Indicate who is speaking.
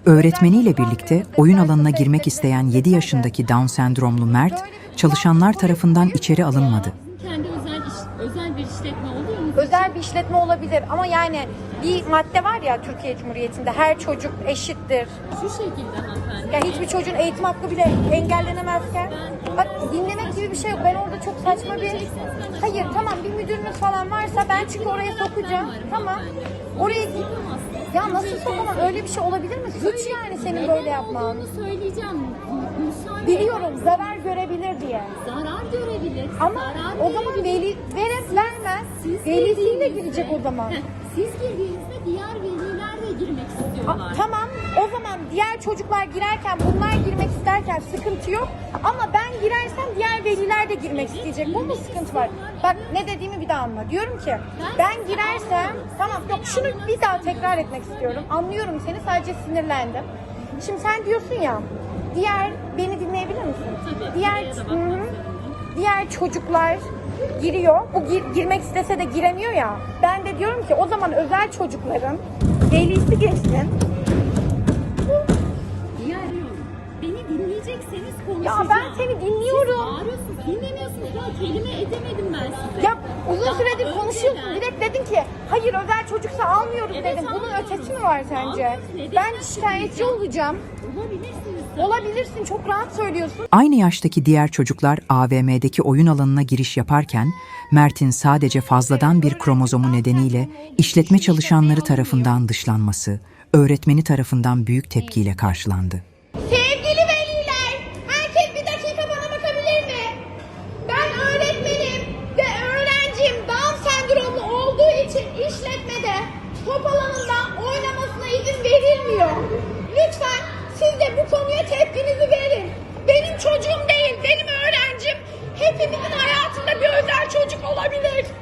Speaker 1: Öğretmeniyle birlikte oyun alanına girmek isteyen 7 yaşındaki Down sendromlu Mert, çalışanlar tarafından içeri alınmadı.
Speaker 2: Kendi özel bir işletme oluyor mu?
Speaker 3: Özel bir işletme olabilir ama yani bir madde var ya Türkiye Cumhuriyeti'nde, her çocuk eşittir.
Speaker 2: Şu şekilde hanımefendi.
Speaker 3: Ya hiçbir çocuğun eğitim hakkı bile engellenemezken, bak dinlemek gibi bir şey yok. Ben orada çok saçma bir... Hayır tamam, bir müdürünüz falan varsa ben çünkü oraya sokacağım. Tamam. Oraya... Ya nasıl sokamam? Öyle bir şey olabilir mi? Suç yani senin böyle yapman.
Speaker 2: Bunu söyleyeceğim. Müsaade.
Speaker 3: Biliyorum, zarar görebilir diye.
Speaker 2: Zarar görebilir.
Speaker 3: Ama
Speaker 2: zarar
Speaker 3: o zaman
Speaker 2: verebilir.
Speaker 3: vermez. Velisiyle girecek o zaman.
Speaker 2: Siz girdiğinizde diğer veliler de girmek istiyorlar.
Speaker 3: Tamam, o zaman diğer çocuklar girerken, bunlar girmek isterken sıkıntı yok. Ama ben girersem diğer veliler de girmek isteyecek. Bu mu sıkıntı var? Bak ne dediğimi bir daha anla. Diyorum ki ben girersem, tamam yok şunu bir daha tekrar etmek istiyorum. Anlıyorum seni, sadece sinirlendim. Şimdi sen diyorsun ya, beni dinleyebilir misin?
Speaker 2: Tabii,
Speaker 3: Diğer çocuklar giriyor. Bu girmek istese de giremiyor ya. Ben de diyorum ki o zaman özel çocukların velisi geçsin.
Speaker 2: Beni dinleyecekseniz konuşacağım.
Speaker 3: Ya ben seni dinliyorum.
Speaker 2: Siz bağırıyorsunuz, dinlemiyorsunuz. Ya kelime edemedim ben size.
Speaker 3: Ya uzun süredir
Speaker 2: önceden-
Speaker 3: konuşuyorsun. Direkt dedin ki hayır özel çocuksa almıyoruz
Speaker 2: Evet,
Speaker 3: dedim. Bunun
Speaker 2: almıyoruz.
Speaker 3: ötesi mi var sence?
Speaker 2: Almıyoruz. Neden
Speaker 3: Ben şikayetçi olacağım.
Speaker 2: Olabilirsiniz.
Speaker 3: Olabilirsin, çok rahat söylüyorsun.
Speaker 1: Aynı yaştaki diğer çocuklar AVM'deki oyun alanına giriş yaparken, Mert'in sadece fazladan bir kromozomu nedeniyle işletme çalışanları tarafından dışlanması, öğretmeni tarafından büyük tepkiyle karşılandı.
Speaker 3: Sevgili veliler, herkes bir dakika bana bakabilir mi? Ben öğretmenim ve öğrencim Down sendromlu olduğu için işletmede top alanında oynamasına izin verilmiyor. Lütfen siz de bu konuya tepkinizi verin. Benim çocuğum değil, benim öğrencim. Hepimizin hayatında bir özel çocuk olabilir.